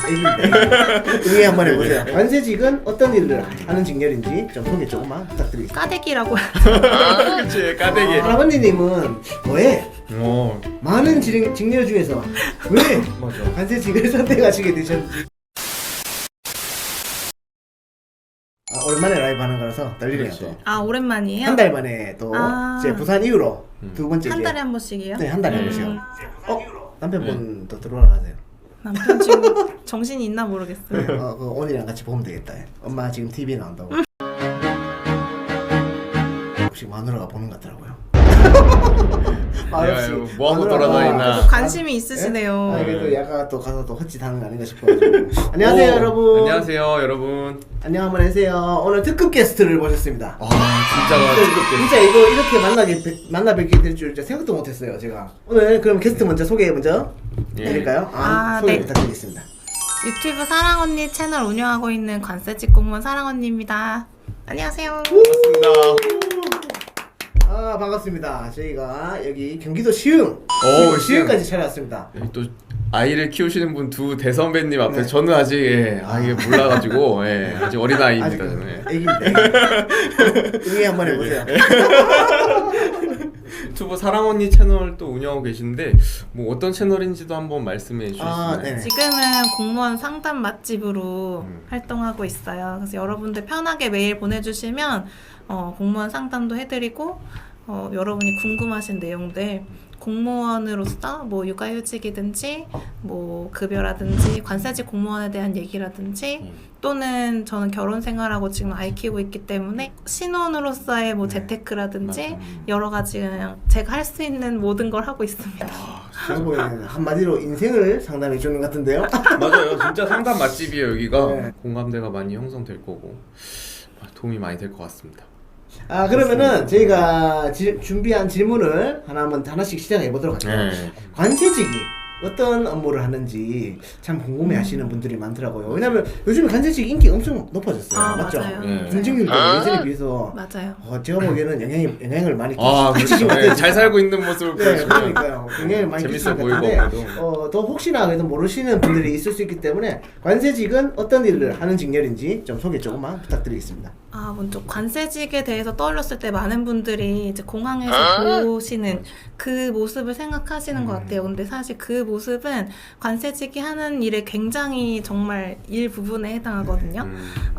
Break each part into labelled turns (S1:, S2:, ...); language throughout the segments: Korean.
S1: 애기인데 응애 한번 해보세요. 관세직은 어떤 일을 하는 직렬인지 좀 소개 조금만 부탁드리겠습니다.
S2: 까대기라고
S3: 그치, 까대기.
S1: 할아버님은 왜
S3: 어,
S1: 많은 직렬 중에서 왜
S3: 맞아.
S1: 관세직을 선택하시게 되셨는지. 오랜만에 라이브 하는 거라서 떨리네요.
S3: 그렇지.
S1: 또.
S2: 아 오랜만이에요?
S1: 한 달 만에 또 이제 부산 이후로 두 번째
S2: 한
S1: 이제
S2: 달에 한 번씩이요?
S1: 네, 한 달에 한 번씩요. 남편분도 들어오라 하세요.
S2: 남편 지금 정신이 있나 모르겠어요.
S1: 그 오늘이랑 같이 보면 되겠다. 엄마 지금 TV 나온다고. 혹시 마누라가 보는 것 같더라고요.
S3: 야, 이거 뭐하고 돌아다니나.
S2: 관심이 있으시네요.
S1: 그래도 약간 또 가서 또 헛짓하는 거 아닌가 싶어가지고. 안녕하세요 여러분.
S3: 안녕하세요 여러분.
S1: 안녕 한번 해주세요. 오늘 특급 게스트를 모셨습니다.
S3: 진짜가 뜨겁게.
S1: 진짜 이거 이렇게 만나 뵙게 될 줄 생각도 못했어요 제가. 오늘 그럼 게스트 먼저 소개 먼저 해드릴까요? 소개
S2: 네.
S1: 부탁드리겠습니다.
S2: 유튜브 사랑언니 채널 운영하고 있는 관세직 공무원 사랑언니입니다. 안녕하세요.
S3: 반갑습니다.
S1: 반갑습니다. 저희가 여기 경기도 시흥 시흥까지 찾아왔습니다.
S3: 여기 또 아이를 키우시는 분 두 대선배님 앞에 저는 아직 이게 몰라가지고 아직 어린 아이입니다. 저는.
S1: 애기인데 응애 한번 해보세요.
S3: 유튜브 사랑언니 채널 또 운영하고 계신데 뭐 어떤 채널인지도 한번 말씀해 주시겠나요?
S1: 네.
S2: 지금은 공무원 상담 맛집으로 활동하고 있어요. 그래서 여러분들 편하게 메일 보내주시면 공무원 상담도 해드리고 여러분이 궁금하신 내용들 공무원으로서 뭐 육아휴직이든지 뭐 급여라든지 관세직 공무원에 대한 얘기라든지 또는 저는 결혼 생활하고 지금 아이 키우고 있기 때문에 신혼으로서의 뭐 재테크라든지 여러 가지 그냥 제가 할 수 있는 모든 걸 하고 있습니다.
S1: 결국에는 한마디로 인생을 상담해 주는 것 같은데요.
S3: 맞아요. 진짜 상담 맛집이에요 여기가.
S1: 네.
S3: 공감대가 많이 형성될 거고 도움이 많이 될 것 같습니다.
S1: 그러면은 저희가 준비한 질문을 하나씩 시작해 보도록 할게요.
S3: 네.
S1: 관세직이 어떤 업무를 하는지 참 궁금해 하시는 분들이 많더라고요. 왜냐면 요즘에 관세직 인기 엄청 높아졌어요. 맞죠?
S2: 맞아요.
S3: 네.
S1: 경쟁률도 예전에 비해서
S2: 맞아요.
S1: 제가 보기에는 영향을 많이
S3: 그렇죠.
S1: 같아요.
S3: 잘 살고 있는 모습을
S1: 네,
S3: 보여주면
S1: 그러니까요. 영향을 많이
S3: 재밌어
S1: 끼치는 것
S3: 보이고
S1: 같은데 더 혹시나 그래도 모르시는 분들이 있을 수 있기 때문에 관세직은 어떤 일을 하는 직렬인지 좀 소개 조금만 부탁드리겠습니다.
S2: 먼저 관세직에 대해서 떠올렸을 때 많은 분들이 이제 공항에서 보시는 그 모습을 생각하시는 것 같아요. 근데 사실 그 모습은 관세직이 하는 일의 굉장히 정말 일부분에 해당하거든요.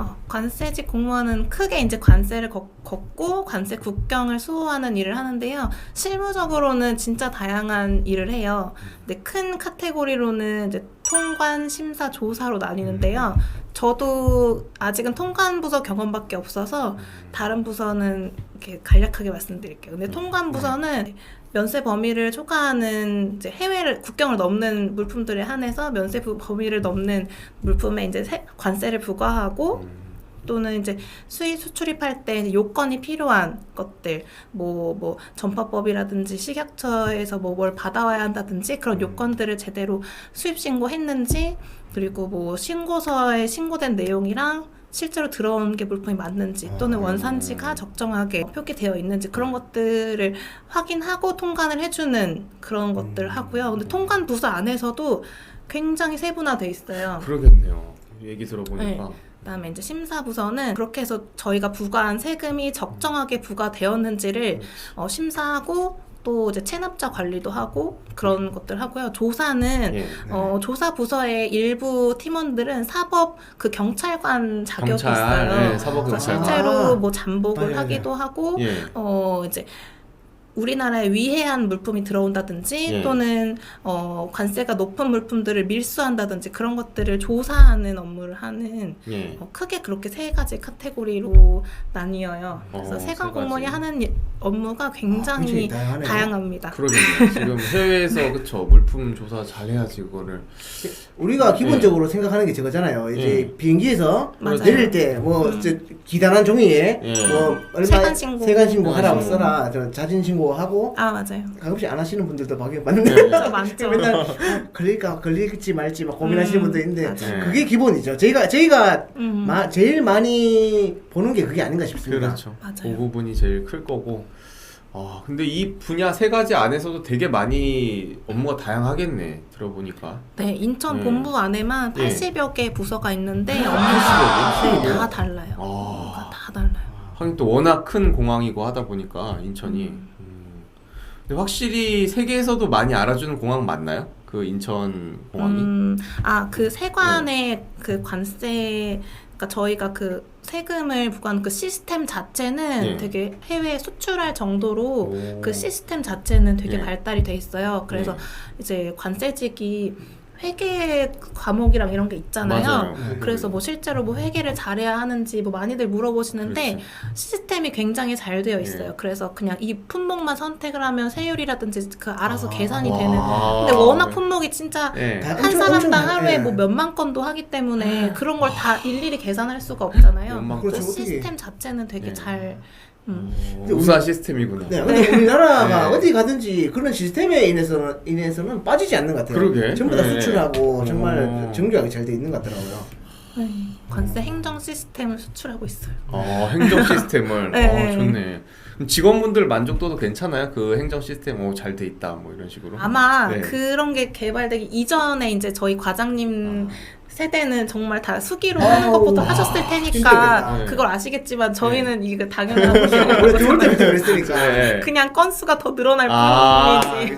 S2: 관세직 공무원은 크게 이제 관세를 걷고 관세 국경을 수호하는 일을 하는데요. 실무적으로는 진짜 다양한 일을 해요. 근데 큰 카테고리로는 이제 통관, 심사, 조사로 나뉘는데요. 저도 아직은 통관 부서 경험밖에 없어서 다른 부서는 이렇게 간략하게 말씀드릴게요. 근데 통관 부서는 면세 범위를 초과하는 이제 해외를 국경을 넘는 물품들에 한해서 면세 범위를 넘는 물품에 이제 관세를 부과하고 또는 이제 수입 수출입할 때 요건이 필요한 것들 뭐 전파법이라든지 식약처에서 뭘 받아와야 한다든지 그런 요건들을 제대로 수입 신고했는지 그리고 뭐 신고서에 신고된 내용이랑 실제로 들어온 게 물품이 맞는지 또는 원산지가 적정하게 표기되어 있는지 그런 것들을 확인하고 통관을 해주는 그런 것들을 하고요. 근데 통관 부서 안에서도 굉장히 세분화돼 있어요.
S3: 그러겠네요. 얘기 들어보니까.
S2: 네. 그다음에 이제 심사부서는 그렇게 해서 저희가 부과한 세금이 적정하게 부과되었는지를 심사하고 또 이제 체납자 관리도 하고 그런 것들 하고요. 조사는 조사 부서의 일부 팀원들은 사법 그 경찰관 자격이 있어요.
S3: 네, 사법 경찰관.
S2: 실제로 뭐 잠복을 하기도 하고 이제 우리나라에 위해한 물품이 들어온다든지 또는 관세가 높은 물품들을 밀수한다든지 그런 것들을 조사하는 업무를 하는 크게 그렇게 세 가지 카테고리로 나뉘어요. 그래서 세관 공무원이 하는 업무가 굉장히 다양합니다.
S3: 그러겠네요. 지금 해외에서 그쵸 물품 조사 잘해야지 그거를
S1: 우리가 기본적으로 생각하는 게 저거잖아요. 이제 비행기에서 내릴 때 뭐 기단한 종이에 뭐 얼마 세관 신고 하라고 써라. 자진 신고하고
S2: 맞아요.
S1: 가끔씩 안 하시는 분들도 봤는데
S2: 많죠.
S1: 맨날 걸릴지 말지 막 고민하시는 분도 있는데 그게 기본이죠. 저희가 제일 많이 보는 게 그게 아닌가 싶습니다.
S3: 그렇죠.
S2: 맞아요.
S3: 그 부분이 제일 클 거고 근데 이 분야 세 가지 안에서도 되게 많이 업무가 다양하겠네. 들어보니까.
S2: 네, 인천 본부 안에만 80여 개 부서가 있는데 업무가
S3: 80여 개?
S2: 다 달라요. 업무가 다 달라요.
S3: 하긴 또 워낙 큰 공항이고 하다 보니까 인천이. 근데 확실히 세계에서도 많이 알아주는 공항 맞나요? 그 인천 공항이?
S2: 그 세관의 그 관세, 그러니까 저희가 그 세금을 부과하는 그 시스템 자체는 되게 해외에 수출할 정도로 그 시스템 자체는 되게 발달이 돼 있어요. 그래서 이제 관세직이 회계 과목이랑 이런 게 있잖아요.
S3: 맞아요.
S2: 그래서 뭐 실제로 뭐 회계를 잘해야 하는지 뭐 많이들 물어보시는데
S3: 그렇지.
S2: 시스템이 굉장히 잘 되어 있어요. 그래서 그냥 이 품목만 선택을 하면 세율이라든지 그 알아서 계산이 되는. 근데 워낙 품목이 진짜 한 사람당 하루에 뭐 몇만 건도 하기 때문에 그런 걸 다 일일이 계산할 수가 없잖아요.
S1: 그렇죠.
S2: 시스템 자체는 되게 잘
S3: 우수한 시스템이구나.
S1: 네, 근데 우리나라가 어디 가든지 그런 시스템에 인해서는 빠지지 않는 것 같아요.
S3: 그러게.
S1: 전부 다 수출하고 정말 정교하게 잘 돼 있는 것 같더라고요.
S2: 관세 행정 시스템을 수출하고 있어요.
S3: 행정 시스템을.
S2: 네.
S3: 좋네. 그럼 직원분들 만족도도 괜찮아요? 그 행정 시스템 잘 돼 있다 뭐 이런 식으로.
S2: 아마 그런 게 개발되기 이전에 이제 저희 과장님 세대는 정말 다 수기로 하는 것부터 하셨을 테니까
S1: 힘들겠다.
S2: 그걸 아시겠지만 저희는 이게 당연한 것이고
S1: 원래 들어올 때부터 그랬으니까.
S2: 그냥 건수가 더 늘어날 뿐이지.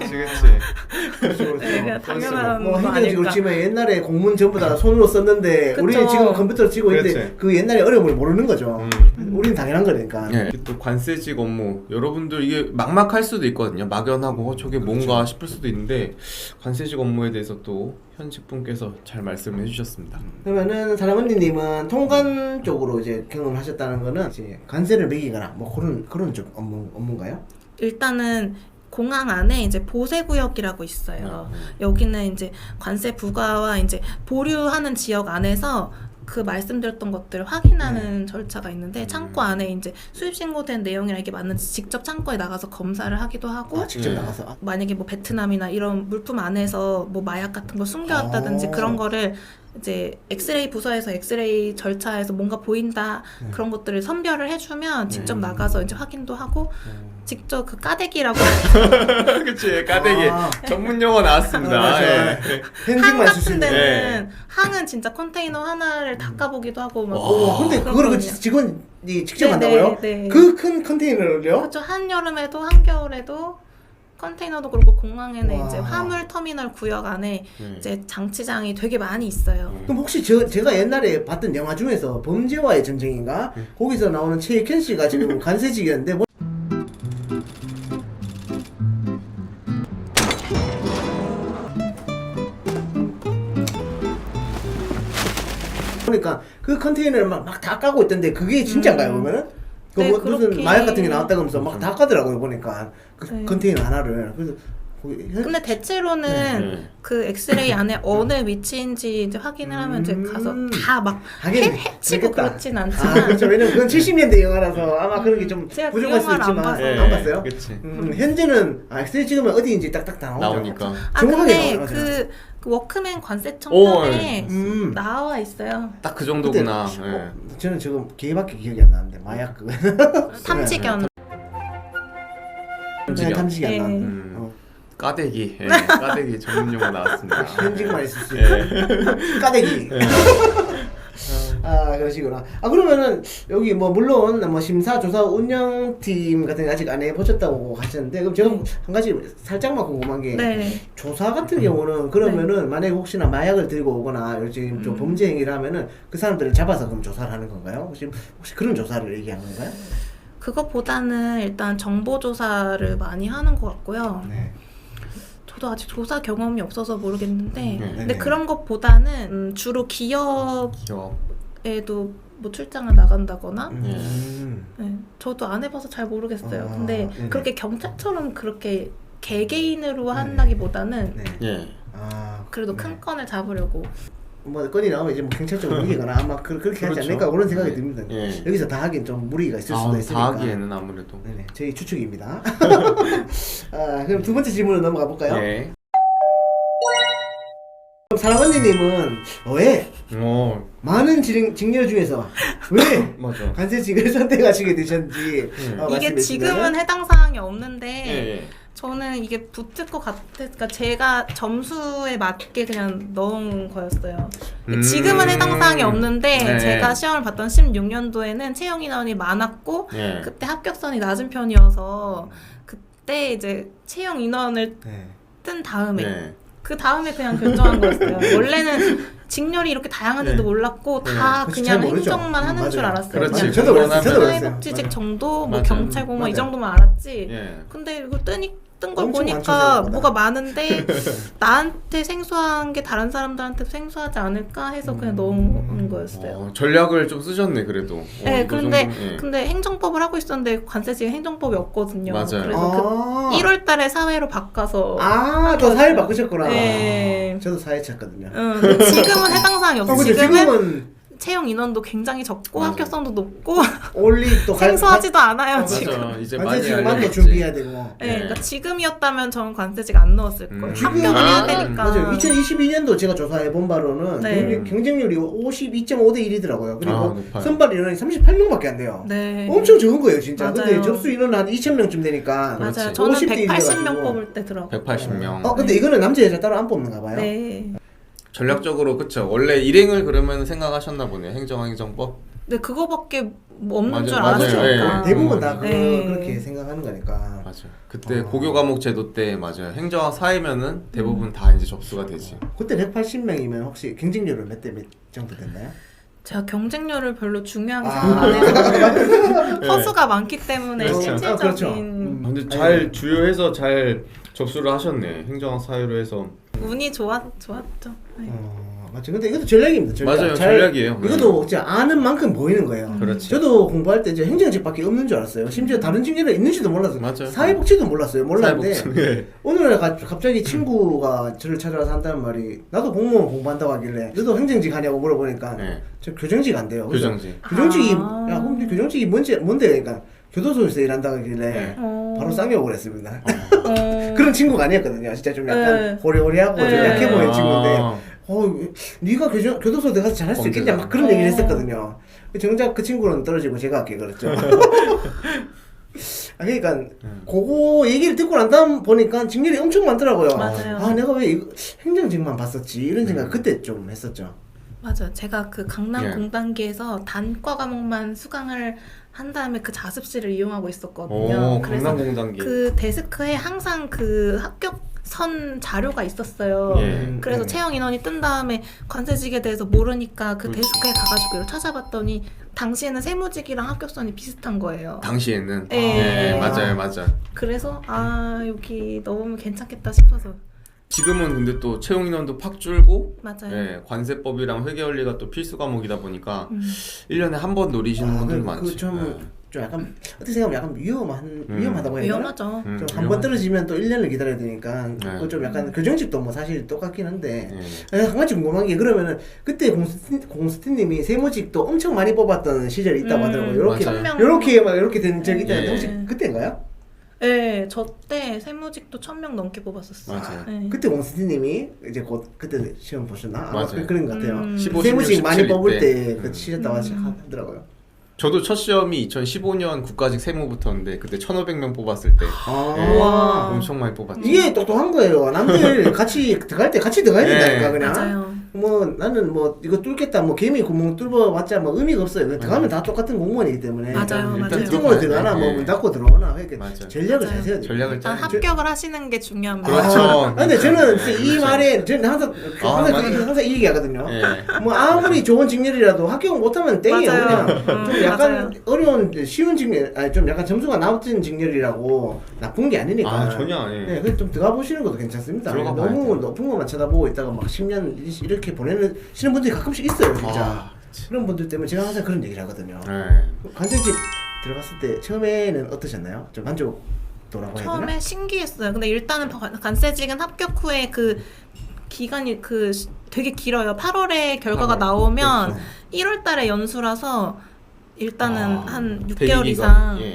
S3: 그치.
S2: 그냥 당연한
S1: 뭐
S2: 거
S1: 힘든지
S2: 아닐까.
S1: 그렇지만 옛날에 공문 전부 다 손으로 썼는데
S2: 그쵸.
S1: 우리는 지금 컴퓨터로 치고 있는데
S3: 그렇지.
S1: 그 옛날의 어려움을 모르는 거죠. 우리는 당연한 거니까.
S3: 또 관세직 업무 여러분들 이게 막막할 수도 있거든요. 막연하고 저게 뭔가 싶을 수도 있는데 관세직 업무에 대해서 또 현직 분께서 잘 말씀을 해주셨습니다.
S1: 그러면은 사랑 언니님은 통관 쪽으로 이제 경험하셨다는 거는 이제 관세를 매기거나 뭐 그런 쪽 업무인가요?
S2: 일단은 공항 안에 이제 보세구역이라고 있어요. 여기는 이제 관세 부과와 이제 보류하는 지역 안에서 그 말씀드렸던 것들을 확인하는 절차가 있는데 창고 안에 이제 수입 신고된 내용이랑 이게 맞는지 직접 창고에 나가서 검사를 하기도 하고
S1: 직접 나가서.
S2: 만약에 뭐 베트남이나 이런 물품 안에서 뭐 마약 같은 걸 숨겨왔다든지 그런 거를 이제 엑스레이 부서에서 엑스레이 절차에서 뭔가 보인다 그런 것들을 선별을 해주면 직접 나가서 이제 확인도 하고 직접 그 까대기라고
S3: 그치, 까대기 전문 용어 나왔습니다.
S2: 항 같은 데는 항은 진짜 컨테이너 하나를 닦아보기도 하고 막
S1: 근데 그거를 그 직원이 직접 한다고요?
S2: 네.
S1: 그 큰 컨테이너를요?
S2: 그렇죠. 한여름에도 한겨울에도 컨테이너도 그렇고 공항에는 이제 화물 터미널 구역 안에 이제 장치장이 되게 많이 있어요.
S1: 그럼 혹시 제가 옛날에 봤던 영화 중에서 범죄와의 전쟁인가? 거기서 나오는 최익현 씨가 지금 관세직이었는데 보니까 그 컨테이너를 막 다 까고 있던데 그게 진짜인가요 그러면은? 그
S2: 네,
S1: 뭐 무슨
S2: 그렇게-
S1: 마약 같은 게 나왔다고 하면서 막 다 까더라고요 보니까 그
S2: 네.
S1: 컨테이너 하나를. 그래서
S2: 근데 대체로는 그 엑스레이 안에 어느 위치인지 이제 확인을 하면 이제 가서 다 막
S1: 하긴
S2: 해치고
S1: 그렇겠다.
S2: 그렇진 않지만
S1: 그렇죠. 왜냐면 그건 70년대 영화라서 아마 그런 게 좀
S2: 제가 그
S1: 부족할 수
S2: 영화를 안
S1: 있지만
S2: 봐서.
S1: 안 봤어요?
S3: 그치.
S1: 현재는 엑스레이 찍으면 어디인지 딱딱 다
S3: 나오니까.
S2: 근데
S1: 나오죠.
S2: 그 워크맨 관세청장에 나와 있어요.
S3: 딱 그 정도구나.
S1: 저는 지금 걔밖에 기억이 안 나는데 마약 그거
S2: 탐지견.
S1: 탐지기 안
S2: 네.
S1: 나.
S3: 까대기. 까대기 전문 용어 나왔습니다.
S1: 현직만 있을 수 있고 까대기. 그러시구나. 그러면은 여기 뭐 물론 뭐 심사 조사 운영팀 같은 거 아직 안 해보셨다고 하셨는데 그럼 제가 한 가지 살짝만 궁금한 게 조사 같은 경우는 그러면은 만약에 혹시나 마약을 들고 오거나 요즘 좀 범죄 행위를 하면은 그 사람들을 잡아서 그럼 조사를 하는 건가요? 혹시 그런 조사를 얘기한 건가요?
S2: 그것보다는 일단 정보 조사를 많이 하는 것 같고요. 저도 아직 조사 경험이 없어서 모르겠는데 근데 그런 것보다는 주로 기업에도 뭐 출장을 나간다거나 저도 안 해봐서 잘 모르겠어요. 근데 그렇게 경찰처럼 그렇게 개개인으로 한다기보다는 그래도 큰 건을 잡으려고
S1: 뭐 건이 나오면 이제 뭐 경찰적으로 이기거나 아마 그렇게 하지 않을까 그런 생각이 듭니다. 여기서 다 하긴 좀 무리가 있을 수도 있으니까.
S3: 다 하기에는 아무래도.
S1: 네네, 저희 추측입니다. 그럼 두 번째 질문으로 넘어가 볼까요? 사랑언니님은 왜 많은 직렬 중에서 왜
S3: 맞아.
S1: 관세직을 선택하시게 되셨는지
S2: 이게
S1: 말씀해
S2: 지금은
S1: 주시면.
S2: 해당 사항이 없는데
S3: 예.
S2: 저는 이게 붙을 것 같으니까 제가 점수에 맞게 그냥 넣은 거였어요. 지금은 해당 사항이 없는데
S3: 네.
S2: 제가 시험을 봤던 16년도에는 채용 인원이 많았고
S3: 예.
S2: 그때 합격선이 낮은 편이어서 그때 이제 채용 인원을
S1: 네.
S2: 뜬 다음에
S3: 네.
S2: 그 다음에 그냥 결정한 거였어요. 원래는 직렬이 이렇게 다양한지도
S3: 네.
S2: 몰랐고
S3: 네.
S2: 다
S1: 그치,
S2: 그냥
S1: 잘 모르죠.
S2: 행정만 하는
S1: 맞아요.
S2: 줄 알았어요.
S3: 그렇지.
S2: 그냥
S1: 저도 그랬어요. 저도 그랬어요.
S2: 사회복지직
S1: 맞아요.
S2: 정도, 뭐
S3: 맞아요.
S2: 경찰 공무원 이
S1: 맞아요.
S2: 정도만 알았지.
S3: 예.
S2: 근데 이거 뜬 걸
S1: 엄청
S2: 보니까
S1: 많죠, 생각보다.
S2: 뭐가 많은데 나한테 생소한 게 다른 사람들한테 생소하지 않을까 해서 그냥 넣은 거였어요.
S3: 전략을 좀 쓰셨네 그래도.
S2: 네,
S3: 이거
S2: 근데
S3: 정도는, 예.
S2: 근데 행정법을 하고 있었는데 관세직은 행정법이 없거든요.
S3: 맞아요.
S2: 그래서 그 1월달에 사회로 바꿔서
S1: 또 사회 바꾸셨구나.
S2: 네.
S1: 저도 사회 찾거든요.
S2: 근데 지금은 해당 사항이 없어요.
S1: 근데
S2: 지금은 채용 인원도 굉장히 적고
S3: 맞아요.
S2: 합격성도 높고
S1: 올리 또
S2: 생소하지도 않아요 지금.
S3: 맞아. 이제 많이
S1: 관세직만 또
S3: 알려졌지.
S1: 준비해야 되고.
S2: 네, 그러니까 지금이었다면 저는 관세직 안 넣었을 거예요. 합격을 해야 되니까.
S1: 맞아요. 2022년도 제가 조사해 본 바로는
S2: 네.
S1: 경쟁률이 52.5대 1이더라고요. 그리고
S3: 높아요.
S1: 선발 인원이 38명밖에 안 돼요.
S2: 네.
S1: 엄청 적은 거예요, 진짜.
S2: 맞아요.
S1: 근데 접수 인원은 한 2,000명쯤 되니까.
S2: 맞아요.
S3: 그렇지.
S2: 저는
S1: 50대
S2: 180명
S1: 1이어가지고.
S2: 뽑을 때 들어가고.
S3: 180명.
S1: 근데 이거는 남자 여자 따로 안 뽑는가 봐요.
S2: 네.
S3: 전략적으로 그쵸. 원래 일행을 그러면 생각하셨나 보네요. 행정법.
S2: 근데 그거밖에 뭐 없는 줄
S3: 맞아요.
S2: 알았으니까.
S3: 네.
S1: 대부분 다
S2: 네.
S1: 그렇게 생각하는 거니까.
S3: 맞아. 그때 고교 과목 제도 때 맞아요. 행정학 사회면은 대부분 다 이제 접수가 되지.
S1: 그때 180명이면 혹시 경쟁률은 몇 대 몇 정도 됐나요?
S2: 제가 경쟁률을 별로 중요하게 생각 안 해서 허수가 많기 때문에
S3: 그렇죠.
S2: 실질적인
S1: 그렇죠.
S3: 근데 잘 주요해서 잘 접수를 하셨네. 행정학 사회로 해서.
S2: 운이 좋았죠. 네.
S1: 맞죠. 근데 이것도 전략입니다. 전략.
S3: 맞아요. 전략이에요.
S1: 이것도 진짜 아는 만큼 보이는 거예요.
S3: 그렇지.
S1: 저도 공부할 때 이제 행정직밖에 없는 줄 알았어요. 심지어 다른 직렬이 있는지도 몰랐어요.
S3: 맞아요.
S1: 사회복지도 몰랐어요. 몰랐는데
S3: 사회복지. 예.
S1: 어느 날 갑자기 친구가 저를 찾아와서 한다는 말이 나도 공무원 공부한다고 하길래 너도 행정직 하냐고 물어보니까
S3: 네.
S1: 저 교정직 안 돼요. 그래서
S3: 교정직.
S1: 교정직이
S2: 아.
S1: 야 그럼 교정직이 뭔데 그러니까 교도소에서 일한다고 하길래
S3: 네.
S1: 바로 쌍욕을 했습니다.
S2: 어.
S1: 그런 친구가 아니었거든요. 진짜 좀 약간
S2: 네.
S1: 호리호리하고 좀
S2: 네.
S1: 약해 보이는 친구인데
S3: 아.
S1: 네가 교도소 내가 잘할 수 있겠냐 막 그런 얘기를 했었거든요. 정작 그 친구는 떨어지고 제가 할게 그랬죠. 그러니까 그거 얘기를 듣고 난 다음 보니까 직렬이 엄청 많더라고요.
S2: 맞아요.
S1: 내가 왜 이거 행정직만 봤었지 이런 생각 그때 좀 했었죠.
S2: 맞아요. 제가 그 강남
S3: 예.
S2: 공단기에서 단과 과목만 수강을 한 다음에 그 자습실을 이용하고 있었거든요.
S3: 오,
S2: 그래서
S3: 강남공단기.
S2: 그 데스크에 항상 그 합격선 자료가 있었어요.
S3: 예.
S2: 그래서 채용 인원이 뜬 다음에 관세직에 대해서 모르니까 그
S3: 그렇지.
S2: 데스크에 가가지고 이걸 찾아봤더니 당시에는 세무직이랑 합격선이 비슷한 거예요.
S3: 당시에는.
S2: 예.
S3: 네, 맞아요.
S2: 그래서 여기 넣으면 괜찮겠다 싶어서.
S3: 지금은 근데 또 채용 인원도 팍 줄고
S2: 맞아요.
S3: 예, 관세법이랑 회계원리가 또 필수 과목이다 보니까 1년에 한 번 노리시는 분들 많지.
S1: 좀 약간 어떻게 생각하면 약간 위험하다고 해야 되나?
S2: 위험하죠.
S3: 음,
S1: 좀 한 번 떨어지면 또 1년을 기다려야 되니까
S3: 네.
S1: 그거 좀 약간 교정직도 뭐 사실 똑같긴 한데
S3: 예.
S1: 한 가지 궁금한 게 그러면은 그때 공스티님이 세무직도 엄청 많이 뽑았던 시절이 있다고 하더라고요. 요렇게
S3: 맞아요.
S1: 요렇게 된 적이 있다는데
S3: 예.
S1: 혹시 그때인가요?
S2: 네, 저 때 세무직도 1,000명 넘게 뽑았었어요.
S3: 맞아요.
S2: 네.
S1: 그때 공스티님이 이제 곧 그때 시험 보셨나? 아마
S3: 맞아요.
S1: 그런 것 같아요.
S3: 15,
S1: 세무직
S3: 16,
S1: 많이
S3: 17
S1: 뽑을
S3: 때.
S1: 때 치셨다고 하더라고요.
S3: 저도 첫 시험이 2015년 국가직 세무부터인데 그때 1,500명 뽑았을 때 예,
S2: 와.
S3: 엄청 많이 뽑았죠.
S1: 이게 똑똑한 거예요. 남들 같이 들어갈 때 같이 들어가야 된다니까
S3: 네.
S1: 그냥.
S2: 맞아요.
S1: 뭐 나는 뭐 이거 뚫겠다 뭐 개미 구멍 뚫어봤자 뭐 의미가 없어요. 들어가면 다 똑같은 공무원이기 때문에.
S2: 맞아요,
S3: 일단
S2: 맞아요.
S1: 뜬으로 들어가나 뭐 문 닫고 들어오나 그러니까
S3: 맞아요.
S1: 전략을 잘
S2: 맞아요.
S1: 세워야 돼요.
S3: 전략을
S2: 일단
S3: 짜야죠.
S2: 합격을 하시는 게 중요합니다.
S3: 그렇죠.
S1: 근데 저는 진짜 이
S3: 그렇죠.
S1: 말에 저는 항상
S3: 맞아요.
S1: 항상 이 얘기하거든요.
S3: 예.
S1: 뭐 아무리 좋은 직렬이라도 합격 못하면 땡이에요.
S2: 맞아요.
S1: 그냥 좀 약간
S2: 맞아요.
S1: 어려운 쉬운 직렬, 아니 좀 약간 점수가 낮은 직렬이라고 나쁜 게 아니니까.
S3: 전혀 아니에요.
S1: 네, 그래서 좀 들어가 보시는 것도 괜찮습니다.
S3: 들어가
S1: 너무
S3: 봐야
S1: 높은 것만 쳐다보고 있다가 막 10년 이렇게 보내시는 분들이 가끔씩 있어요, 진짜. 그런 분들 때문에 제가 항상 그런 얘기를 하거든요.
S3: 네.
S1: 관세직 들어갔을 때 처음에는 어떠셨나요? 좀 만족도라고 해야 되나?
S2: 처음에 신기했어요. 근데 일단은 관세직은 합격 후에 그 기간이 되게 길어요. 8월에 결과가 나오면
S1: 그렇죠.
S2: 1월 달에 연수라서 일단은 한 6개월
S3: 대기 기간.
S2: 이상
S3: 예.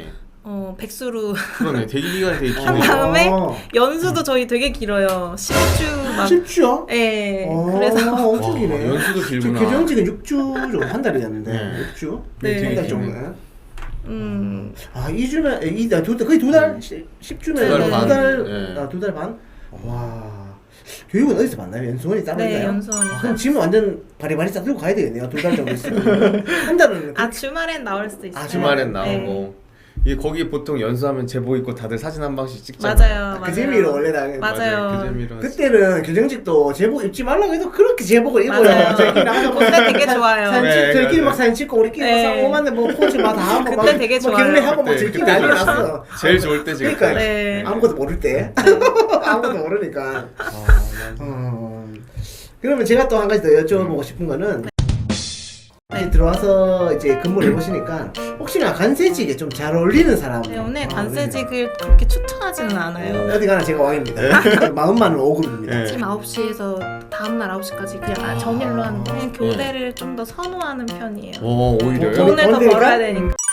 S2: 백수로
S3: 그러네. 대기 기간이 되게
S2: 한
S3: 기네요.
S2: 다음에 연수도 저희 되게 길어요. 10주 막
S1: 10주요?
S2: 예. 그래서
S1: 엄청
S3: 와,
S1: 기네.
S3: 연수도
S1: 지금
S3: 길구나.
S1: 교정직은 6주 정도 한 달이었는데
S3: 네.
S1: 6주?
S2: 네.
S3: 되게
S1: 한달
S3: 기네.
S1: 정도. 아 2주면 거의 두 달? 10주면
S2: 두 달 반.
S3: 네.
S1: 두 달 반? 와 교육은 어디서 받나요? 연수원이 따로
S2: 네,
S1: 있나요?
S2: 연수원이
S1: 그럼 지금 완전 바리바리 싹 들고 가야 되겠네요. 두 달 정도 있으면 한 달은
S2: 아 주말엔 나올 수도 있어요.
S3: 주말엔
S2: 네.
S3: 나오고. 이게 거기 보통 연수하면 제복 입고 다들 사진 한 방씩 찍잖아요.
S2: 맞아요.
S1: 그 재미로 원래 다
S2: 맞아요.
S3: 그 재미로.
S1: 그때는 교정직도 제복 입지 말라고 해도 그렇게 제복을 입어요.
S2: 맞아요.
S1: 저희끼리 나가서 막
S2: 그때 되게 좋아요.
S1: 사진
S3: 네,
S1: 저희끼리
S3: 맞아요.
S1: 막 사진 찍고 우리끼리
S2: 네.
S1: 막 싸우고 뭐 포즈 막 다 하고
S2: 그때
S1: 막
S2: 되게
S1: 뭐
S2: 좋아요.
S1: 경례하고 막
S3: 그때,
S1: 저희끼리
S3: 그때
S1: 난리
S3: 좋았어요.
S1: 났어.
S3: 제일 좋을 때 지금.
S1: 그러니까
S2: 네.
S1: 아무것도 모를 때 아무것도 모르니까. 그러면 제가 또 한 가지 더 여쭤보고 싶은 거는 이제 들어와서 이제 근무를 해보시니까 혹시나 관세직에 좀 잘 어울리는 사람
S2: 네, 오늘 관세직을 그렇게 추천하지는 않아요.
S1: 어디 가나 제가 왕입니다. 마음만은 5급입니다.
S3: 네.
S2: 아침 9시에서 다음날 9시까지 그냥 정일로 하는데 교대를 좀 더 선호하는 편이에요.
S3: 오히려요?
S1: 돈-
S2: 돈을 더
S1: 돈 되니까?
S2: 벌어야 되니까.